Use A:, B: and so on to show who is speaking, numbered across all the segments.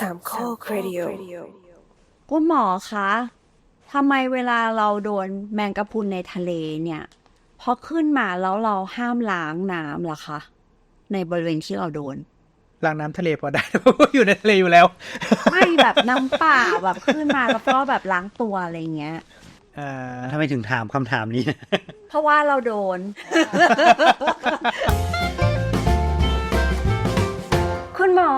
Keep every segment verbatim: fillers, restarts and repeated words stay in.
A: สามข้อครดิโอ
B: คุณหมอคะทำไมเวลาเราโดนแมงกะพรุนในทะเลเนี่ยพอขึ้นมาแล้วเราห้ามล้างน้ำล่ะคะในบริเวณที่เราโดน
C: ล้างน้ำทะเลพอได้ เพราะว่าอยู่ในทะเลอยู่แล้ว
B: ไม่แบบน้ำเปล่าแบบขึ้นมาแล้วก็แบบล้างตัวอะไรเงี้ย
C: อ่า
D: ทำไมถึงถามคำถามนี้
B: เพราะว่าเราโดน คุณหมอ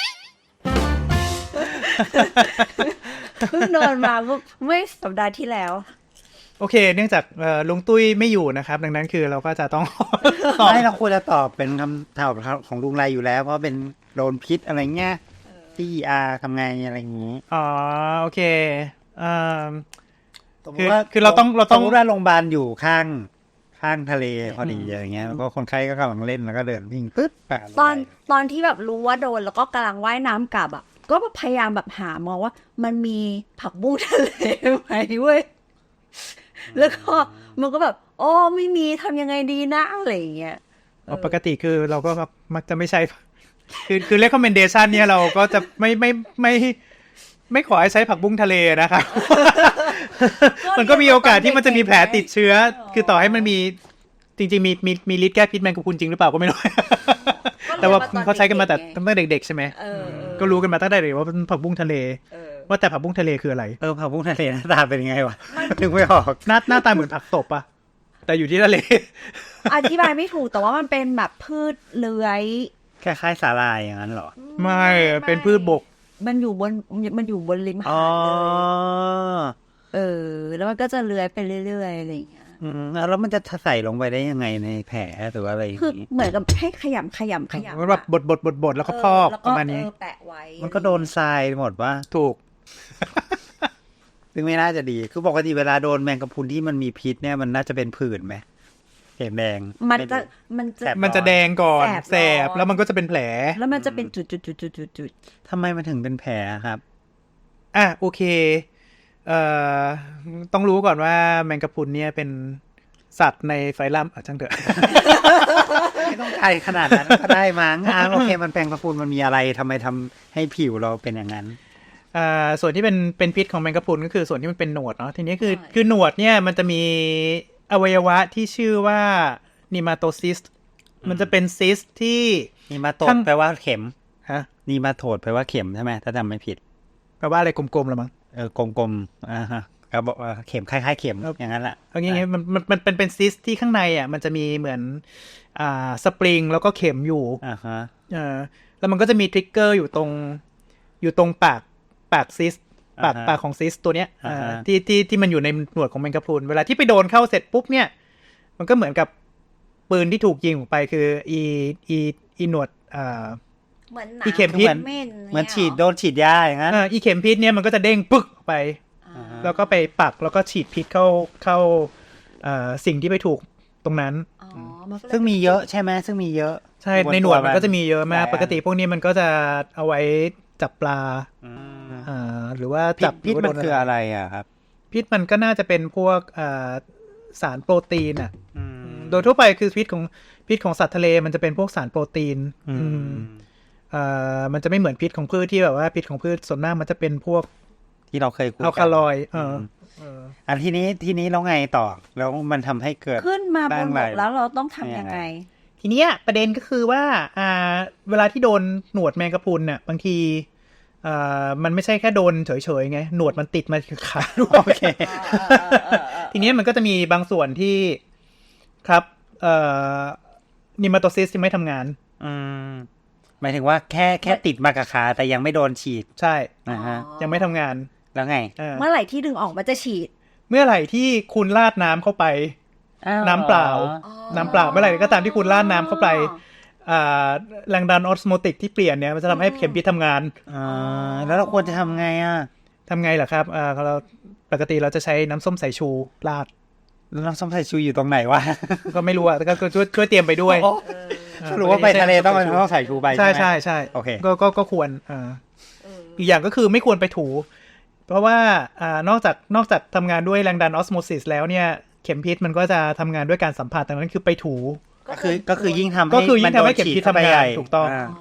B: เพิ่งโดนมาเมื่อสัปดาห์ที่แล้ว
C: โอเค เนื่องจากเอ่อลุงตุ้ยไม่อยู่นะครับ ดังนั้นคือเราก็จะต้อง
D: ไม่เราควรจะตอบเป็นคำตอบของลุงไรอยู่แล้ว เพราะเป็นโดนพิษอะไรเงี้ยที่อาทำไงอะไรอย่างนี้
C: อ๋อโอเคเอ่อ
D: สมม
C: คือ
D: ติว่า
C: คือเราต้องเราต้อง
D: สมมติว่าโรงพยาบาลอยู่ข้างข้างทะเลพอดีอะไรเงี้ยแล้วก็คนไข้ก็กำลังเล่นแล้วก็เดินวิ่งปึ๊บป่าลงไป
B: ตอนตอนที่แบบรู้ว่าโดนแล้วก็กำลังว่ายน้ำกลับอ่ะก็พยายามแบบหามองว่ามันมีผักบุ้งทะเลไหมเว้ยแล้วก็มันก็แบบโอ้ไม่มีทำยังไงดีนะอะไรอย่างเงี้ย
C: อ๋อปกติคือเราก็มักจะไม่ใช่ คือคือ recommendation เนี่ยเราก็จะไม่ไม่ไม่ไม่ขอให้ใช้ผักบุ้งทะเลนะครับ มันก็มีโอกาสที่มันจะมีแผลติดเชื้อ คือต่อให้มันมีจริงๆมีมีมีฤทธิ์แก้พิษแมงกะพรุนจริงหรือเปล่าก็ไม่รู้ แต่ว่าเขาใช้กันมาแต่ตั้งแต่เด็กๆใช่ไหม
B: เออ
C: ก็รู้กันมาตั้งแต่เด็กว่าเป็นผักบุ้งทะเล
B: เออ
C: ว่าแต่ผักบุ้งทะเลคืออะไร
D: เออผักบุ้งทะเลหน้าตาเป็นยังไงวะถึงไม่ออก
C: หน้าหน้าตาเหมือนผักตบอะแต่อยู่ที่ทะเล
B: อธิบายไม่ถูกแต่ว่ามันเป็นแบบพืชเลื้อย
D: คล้ายๆสาลายอย่างนั้นเหรอ
C: ไม่เป็นพืชบก
B: มันอยู่บนมันอยู่บนริมหา
D: อ๋อ
B: ดเลยเออ แล้วมันก็จะเลื้อยไปเรื่อยๆอะไรอย่างเงี้ย
D: อืมแล้วมันจะใส่ลงไปได้ยังไงในแผลหรือว่าอะไรอย่าง
B: คือ
D: นี้
B: เหมือนกับให้ขยำขยำขยำ
C: มันแบบบดบดบดบดแล้วก็พอก
B: แล้ว
C: ป
B: ก็
C: ระมาณนี้
B: เออแปะไว้
D: มันก็โดนทรายหมดว่า
C: ถูก
D: ซึ่งไม่น่าจะดี คือปกติเวลาโดนแมงกะพรุนที่มันมีพิษเนี่ยมันน่าจะเป็นผื่นไหมเห็นแดง
B: มัน
D: ไรู้
B: จะมันจะ
D: แสบ
C: มันจะแดงก่อน
B: แสบ
C: แสบ
B: ร้อน
C: แล้วมันก็จะเป็นแผล
B: แล้วมันจะเป็นจุดจุดจุดจุดจุดจุด
D: ทำไมมันถึงเป็นแผลครับ
C: อ่ะโอเคเอ่อต้องรู้ก่อนว่าแมงกะพรุนเนี่ยเป็นสัตว์ในไฟลัมอ่ะช่างเถอะ
D: ไม่ต้องไกลขนาดนั้นก็ได้มั้งอ่าโอเคมันแปลงกระพุนมันมีอะไรทำไมทำให้ผิวเราเป็นอย่างนั้น
C: อ่าส่วนที่เป็นเป็นพิษของแมงกะพรุนก็คือส่วนที่มันเป็นหนวดเนาะทีนี้คือคือหนวดเนี่ยมันจะมีอวัยวะที่ชื่อว่านิมาโตซิสมันจะเป็นซิสที่
D: นีมาโต
C: ข้า
D: ด
C: ง
D: แปลว่าเข็ม
C: ฮะ
D: นีมาโตดแปลว่าเข็มใช่ไหมถ้าจำไม่ผิด
C: แปลว่าอะไรกลมๆหรือมั้ง
D: เออกลมๆอ่าฮะก็บอกว่าเข็มคล้ายๆเข็มอย่างนั้นแหละ
C: เอางี้ๆมันมันมันเป็นเป็นซิสที่ข้างในอ่ะมันจะมีเหมือนอ่าสปริงแล้วก็เข็มอยู่
D: อ่าฮะ
C: เออแล้วมันก็จะมีทริกเกอร์อยู่ตรงอยู่ตรงปากปากซิสปากปากของซิสตัวเนี้ยเอ่อที่ที่ที่มันอยู่ในหนวดของแมงกะพรุนเวลาที่ไปโดนเข้าเสร็จปุ๊บเนี่ยมันก็เหมือนกับปืนที่ถูกยิงออกไปคืออีอีอีหนวดอ่า
B: เหมือนหนา
C: อีเข็มพิษ
B: เม่น
D: เหมือนฉีดโดนฉีดยาอย่างนั้น
C: เอ่ออีเข็มพิษเนี่ยมันก็จะเด้งปึ๊กออกไป
D: อ่าฮะ
C: แล้วก็ไปปักแล้วก็ฉีดพิษเข้าเข้าเอ่อสิ่งที่ไปถูกตรงนั้น
B: อ๋อมันก็เลย
D: ซึ่งมีเยอะใช่ไหมซึ่งมีเยอะ
C: ใช่ในหนวดมันก็จะมีเยอะมาก
D: หลายอัน
C: ปกติพวกนี้มันก็จะเอาไว้จับปลา
D: อืม
C: อ่าหรือว่า
D: พิษ
C: จับ
D: พิษ
C: หรื
D: มั
C: ว่าน โด
D: คืออะไรอ่ะครับ
C: พิษมันก็น่าจะเป็นพวกอ่าสารโปรตีนอ่ะ
D: อืม
C: โดยทั่วไปคือพิษของพิษของสัตว์ทะเลมันจะเป็นพวกสารโปรตีน
D: อื
C: อืม
D: ม
C: อ่ามันจะไม่เหมือนพิษของพืชที่แบบว่าพิษของพืชส่วนมากมันจะเป็นพวก
D: ที่เราเคยคุย
C: อัล
D: กั
C: คาลอยด์เออ
D: ม
C: เออ
D: อันทีนี้ทีนี้เราไงต่อแล้วมันทำให้เกิด
B: ขึ้นมาบ
D: บ้าน ง
B: บ
D: ไร
B: กแล้วเราต้องทำยังไง
C: ทีเนี้ยประเด็นก็คือว่าอ่าเวลาที่โดนหนวดแมงกะพรุนน่ะบางทีอ่ามันไม่ใช่แค่โดนเฉยๆไงหนวดมันติดมาที่ขาด้วย
D: โอเค
C: ทีนี้มันก็จะมีบางส่วนที่ครับเอ่อนิมาโตซิสยังไม่ทำงาน
D: อืมหมายถึงว่าแค่แค่ติดมากับขาแต่ยังไม่โดนฉีด
C: ใช่
D: นะฮะ
C: ยังไม่ทำงาน
D: แล้วไง
C: เออ
B: เมื่อไหร่ที่ดึงออกมันจะฉีด
C: เมื่อไหร่ที่คุณราดน้ำเข้าไป น้ำเปล่า น้ำเปล่าเมื่อไหร่ก็ตามที่คุณราดน้ำเข้าไปอ่าแรงดันออสโมติกที่เปลี่ยนเนี่ยมันจะทำให้เข็มพิษทำงาน
D: อ่าแล้วเราควรจะทำไงอ่ะ
C: ทำไงล่ะครับอ่าเราปกติเราจะใช้น้ำส้มสายชูราด
D: แล้วน้ำส้มสายชูอยู่ตรงไหนวะ
C: ก็ไม่รู้อ่ะแต่ก็ก็ช่วยช่วยเตรียมไปด้วย
D: โอ้
C: เออ
D: สรุปว่าไปทะเลต้องต้องใส่ชูใบ
C: ใช่
D: ใช่
C: ใช่
D: ไหม
C: ใช่
D: โอเค
C: ก็ก็ก็ควรอ่าอีกอย่างก็คือไม่ควรไปถู เพราะว่าอ่านอกจากนอกจากทำงานด้วยแรงดันออสโมซิสแล้วเนี่ยเข็มพิษมันก็จะทำงานด้วยการสัมผัสดังนั้นคือไปถู
D: ก็คือก็คือยิ่งทำ
C: ก็คือยิ่งทำให้
D: นโดน
C: เข็มพิษ
D: ฉีดเข้าไป
C: ทำงาน
D: ใหญ่
C: ถูกต้อง
D: า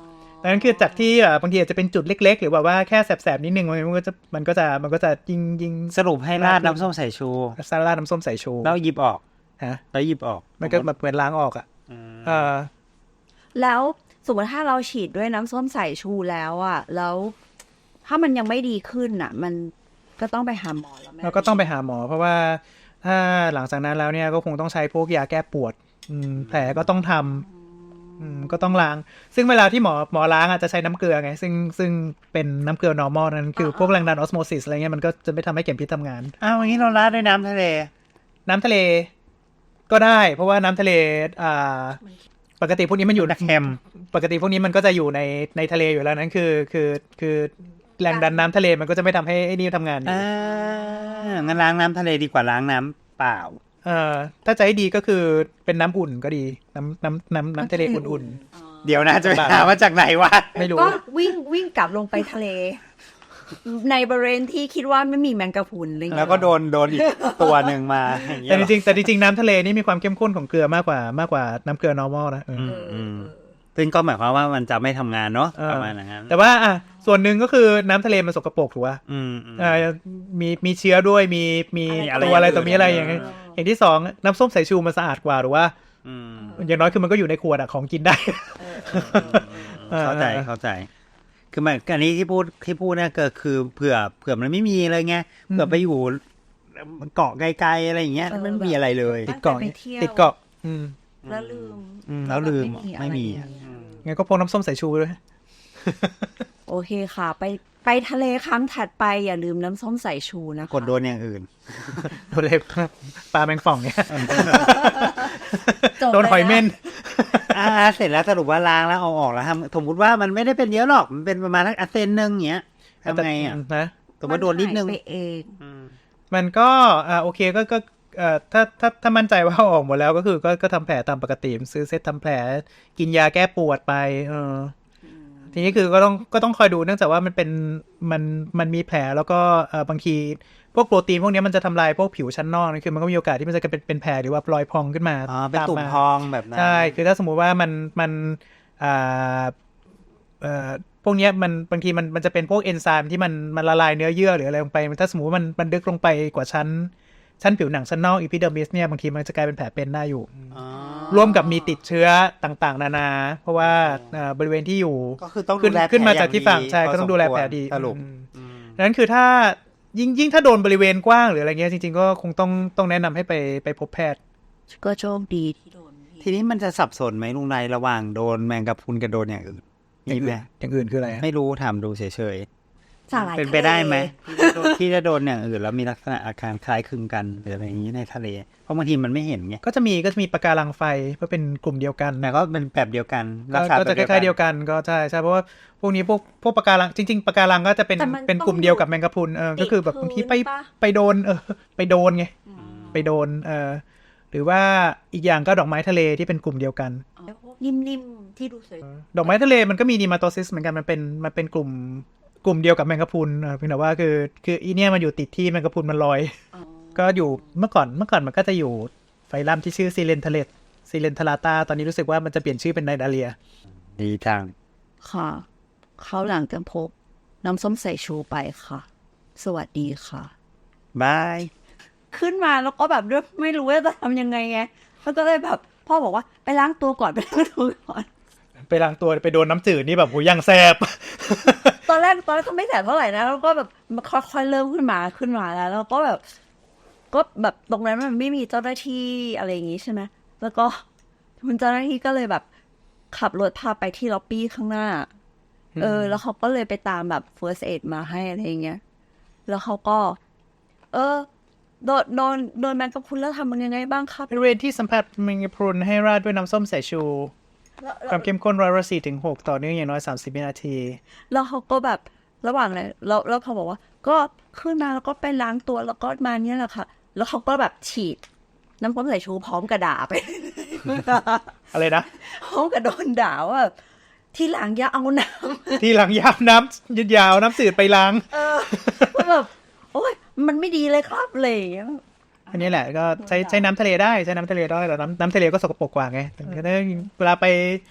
C: ดังนั้นคือจากที่แบบบางทีอาจจะเป็นจุดเล็กๆหรือแบบว่าแค่แสบๆนิดนึงมันก็จะมันก็จะมันก็จะยิงยิง
D: สรุปให้ราดน้ำส้มสายชู
C: ซาลาดน้ำส้มสายชู
D: แล้วหยิบออก
C: ฮะ
D: แล้วหยิบออก
C: มันก็แบบเหมือนล้างออกอ่ะ
D: อืม
C: เออ
B: แล้วสมมติถ้าเราฉีดด้วยน้ำส้มสายชูแล้วอ่ะแล้วถ้ามันยังไม่ดีขึ้นอ่ะ มันก็ต้องไปหาหมอแล้วไหม
C: เราก็ต้องไปหาหมอ เพราะว่าถ้าหลังจากนั้นแล้วเนี่ยก็คงต้องใช้พวกยาแก้ปวดอืมแผลก็ต้องทำอืมก็ต้องล้าง ซึ่งเวลาที่หมอหมอล้างอ่ะจะใช้น้ำเกลือไงซึ่งซึ่งเป็นน้ำเกลือ normal นั้นคือพวกแรงดันออสโมซิสอะไรเงี้ยมันก็จะไม่ทำให้เข็มพิษทำงาน
D: อ้าวอย่างนี้เราราดด้วยน้ำทะเล
C: น้ำทะเลก็ได้ เพราะว่าน้ำทะเลอ่าปกติพวกนี้มันอยู่
D: เค็ม
C: ปกติพวกนี้มันก็จะอยู่ในในทะเลอยู่แล้วนั้นคือคือคือแรงดันน้ำทะเลมันก็จะไม่ทำให้ไอ้นี่ทำงานอยู่
D: อ่างั้นล้างน้ำทะเลดีกว่าล้างน้ำเปล่า
C: เอ่อถ้าจะให้ดีก็คือเป็นน้ำอุ่นก็ดี น้ำน้ำน้ำน้ำทะเลอุ่น
D: เดี๋ยวนะจะไปหามาจากไหนวะ
C: ๆ ไม่รู้
B: ก็วิ่งวิ่งกลับลงไปทะเล ในบริเวณที่คิดว่าไม่มีแมงกะพรุนอะไรอย่าง
D: แล้
B: เงี้
D: วย ก็โดนโดนอีกตัวหนึ่งมาอย่างเงี้
C: แต่
D: ย
C: จริงๆแต่จริงๆน้ำทะเลนี่มีความเข้มข้นของเกลือมากกว่ามากกว่าน้ำเกลือ normal นะเออ
D: อืมอืมซึ่งก็หมายความว่ามันจะไม่ทำงานเนาะ
C: เออ
D: ประมาณนั้น
C: แต่ว่าอ่ะส่วนหนึ่งก็คือน้ำทะเลมันสกปรกถูกป่ะ
D: อืมอืม
C: อ่ามีมีเชื้อด้วยมีมี
D: มีอะไร
C: ตัวอะไร
D: อย่างอื่น
C: ตัวมีอะไรอย่างเงี้ยอย่างที่สองน้ำส้มสายชูมันสะอาดกว่าหรือว่า
D: อืม
C: อย่างน้อยคือมันก็อยู่ในขวดอะของกินได้
D: เข้าใจเข้าใจ คือมันอันนี้ที่พูดที่พูดเนี่ยก็คือเผื่อเผื่อมันไม่มีเลยไงเผื่อไปอยู่เกาะไกลๆอะไรอย่างเงี้ยมันไม่มีอะไรเลย
C: ติดเกาะ
B: ไปเที่ยว
C: ติดเกาะอืม
B: แล้วลืม
D: อืมแล้วลืม
B: ไม่
D: ไม่มี
B: มีอะไร
C: งั้นก็พกน้ำส้มสายชูไปด้วย
B: โอเคค่ะ ไปไปทะเลครั้งถัดไปอย่าลืมน้ำส้มสายชูนะคะ
D: กดโดนอย่างอื่น
C: โดนเลยปลาแมงป่องเนี่ย
B: จบ
C: โดนหอยเม่น
D: อ่าเสร็จแล้วสรุปว่าล้างแล้วเอาออกแล้วทำสมมติว่ามันไม่ได้เป็นเยอะหรอกมันเป็นประมาณสักอาเซนนึงเงี้ยทำไงอ่ะ
C: นะ
D: สมมติโดนนิดนึง
B: มัหายไปเอง
D: อืม
C: มันก็อ่าโอเคก็ก็เอ่อถ้าถ้าถ้ามั่นใจว่าเอาออกหมดแล้วก็คือก็ก็ทำแผลตามปกติซื้อเซตทำแผลกินยาแก้ปวดไปเออทีนี้คือก็ต้องก็ต้องคอยดูเนื่องจากว่ามันเป็นมันมันมีแผลแล้วก็เอ่อบางทีพวกโปรตีนพวกนี้มันจะทำลายพวกผิวชั้นนอกนะคือมันก็มีโอกาสที่มันจะเป็นเป็นแผลหรือว่ารอยพองขึ้นมา
D: อ๋อเป็น
C: ตาม
D: ตุ่ม
C: มา
D: พองแบบนั้น
C: ใช่คือถ้าสมมุติว่ามันมันอ่าเอ่อพวกเนี้ยมันบางทีมันมันจะเป็นพวกเอนไซม์ที่มันมันละลายเนื้อเยื่อหรืออะไรลงไปถ้าสมมติว่ามันมันดึกลงไปกว่าชั้นชั้นผิวหนังชั้นนอกอีพิเดอร์มิสเนี่ยบางทีมันจะกลายเป็นแผลเป็นได้อยู่
D: อ๋อ
C: ร่วมกับมีติดเชื้อต่างๆ นานา เพราะว่าเอ่อบริเวณที่อยู่
D: ก็คือต้อง
C: ขึ้
D: ดู
C: น
D: แล
C: ขึ้นมา
D: แผล
C: จากที่ฝั่ง
D: อย่
C: ใช่
D: พ
C: ก็ต้องดูแลแผลดี
D: สรุป
C: อืม
D: อืม
C: ดังนั้นคือถ้ายิ่งยิ่งถ้าโดนบริเวณกว้างหรืออะไรเงี้ยจริงๆก็คงต้องต้องแนะนำให้ไปไปพบแพทย์
B: ก็โชคดีที่โดน
D: ทีนี้มันจะสับสนไหมลุงนายระหว่างโดนแมงกะพรุนกับโดนอย่างอื่นมีไหม
C: อย่างอื่นคืออะไรอะ
D: ไม่รู้ถามดูเฉย
B: สาหร่าย
D: ๆเป็นไปได้ไหมที่จะโดนอย่างอื่นแล้วมีลักษณะอาการคล้ายคลึงกันหรืออะไรอย่างนี้ในทะเล เพราะบางทีมันไม่เห็นไง
C: ก็จะมีก็จะมีปะการังไฟเพื่อเป็นกลุ่มเดียวกัน
D: แต่ก็เป็นแบบเดียวกันรั
C: ก็
D: กษา
C: ก็จะคล้ายๆเดียวกันก็ใช่ใช่เพราะว่าพวกนี้พวกพวกปะการังจริงๆปะการังก็จะเป็นเป็นกลุ่มเดียวกับแมงกะพรุนเออก็คือแบบบางทีไปไปโดนเออไปโดนไงไปโดนเออหรือว่าอีกอย่างก็ดอกไม้ทะเลที่เป็นกลุ่มเดียวกัน
B: นิ่มๆที่ดูสวย
C: ดอกไม้ทะเลมันก็มีนีมาโตซิสเหมือนกันมันเป็นมันเป็นกลุ่มกลุ่มเดียวกับแมงกะพรุนเออเพียงแต่ว่าคือคืออีเนี่ยมันอยู่ติดที่แมงกะพรุนมันลอย ก็อยู่เมื่อก่อนเมื่อก่อนมันก็จะอยู่ไฟลัมที่ชื่อซีเลนทะเลซีเลนทาราตาตอนนี้รู้สึกว่ามันจะเปลี่ยนชื่อเป็นไนดาเลีย
D: ดีจัง
B: ค่ะ เขาหลังกันพบน้ำส้มสายชูไปค่ะ สวัสดีค่ะ
D: บาย
B: ขึ้นมาแล้วก็แบบด้วยไม่รู้ว่าจะทำยังไงไงแล้วก็เลยแบบพ่อบอกว่าไปล้างตัวก่อนไปล้างตัวก่อน
C: ไปล้างตัวไปโดนน้ำจืดนี่แบบโหยังแสบ
B: ตอนแรกตอนแรกก็ไม่แสบเท่าไหร่นะแล้วก็แบบมันค่อยๆเริ่มขึ้นมาขึ้นมาแล้ว แล้วก็แบบ ก็แบบตรงนั้นมันไม่มีเจ้าหน้าที่อะไรอย่างงี้ใช่ไหมแล้วก็มันเจ้าหน้าที่ก็เลยแบบขับรถพาไปที่ล็อบบี้ข้างหน้า เออ แล้วเขาก็เลยไปตามแบบ first aid มาให้อะไรอย่างเงี้ยแล้วเขาก็ เออโดนโดนโดนแมงกะพรุนแล้วทำมันยังไงบ้างครับ
C: บริเวณที่สัมผัสแมงกะพรุนให้ราดด้วยน้ำส้มสายชู
B: แล้ว
C: ความเข้มข้นร้อยละสี่ถึงหกต่อเนื่องอย่างน้อยสามสิบวินาที
B: แล้วเขาก็แบบระหว่างเลยแล้วแล้วเขาบอกว่า ก็ขึ้นมาแล้วก็ไปล้างตัวแล้วก็มาเนี้ยแหละค่ะ แล้วเขาก็แบบฉีด น้ำส้มสายชูพร้อมกระด่าไป
C: อะไรนะ
B: พร้อมกับโดนด่าว่าที่หลังอย่าเอาน้ำ
C: ที่หลังยาวน้ำยืดยาวน้ำจืดไปล้าง
B: เออว่าแบบโอ้ยมันไม่ดีเลยครับอะไรอย่างเลย
C: อันนี้แหละก็ใช้ใช้น้ำทะเลได้ใช้น้ำทะเลได้แต่น้ำน้ำทะเลก็สกปรกกว่าไงแต่ก็ได้เวลาไป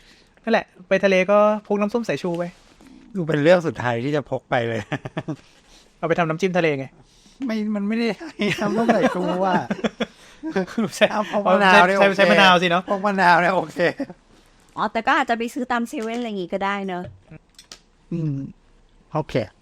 C: นั่นแหละไปทะเลก็พกน้ำส้มสายชูไป
D: ดูเป็นเรื่องสุดท้ายที่จะพกไปเลย
C: เอาไปทำน้ำจิ้มทะเลไง
D: ไม่มันไม่ได้ทำต้องใส่ชูว่า
C: ใช่
D: เอาพกมะนาว
C: ใช้
D: เนี่ย
C: ใช้
D: โอเค
C: ใช้มะนาวสิเนาะ
D: พกมะนาวเนี่ยโอเค
B: อ๋อแต่ก็อาจจะไปซื้อตามเซเว่นอะไรอย่างงี้ก็ได้เนอะ
D: อืมโอเค